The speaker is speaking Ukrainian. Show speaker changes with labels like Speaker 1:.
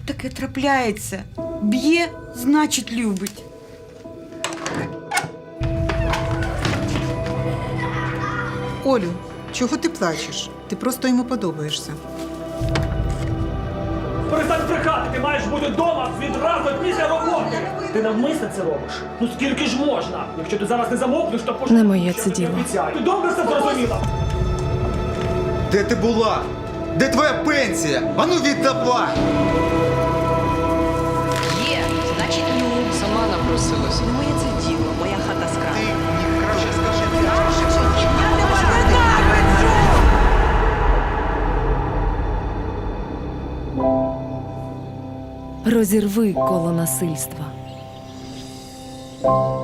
Speaker 1: таке трапляється. Б'є, значить, любить.
Speaker 2: Олю, чого ти плачеш? Ти просто йому подобаєшся.
Speaker 3: Перестань брехати, ти маєш бути вдома відразу після роботи. Ти навмисно це робиш. Ну скільки ж можна? Якщо ти зараз не замовкнеш, то
Speaker 4: Не моє це діло.
Speaker 3: Ти добре все зрозуміла?
Speaker 5: Де ти була? Де твоя пенсія? Ану віддавай!
Speaker 6: Є, значить,
Speaker 7: Сама напросилася.
Speaker 6: не моє це діло, моя хата з краю.
Speaker 5: Мені краще скажи.
Speaker 4: Розірви коло насильства.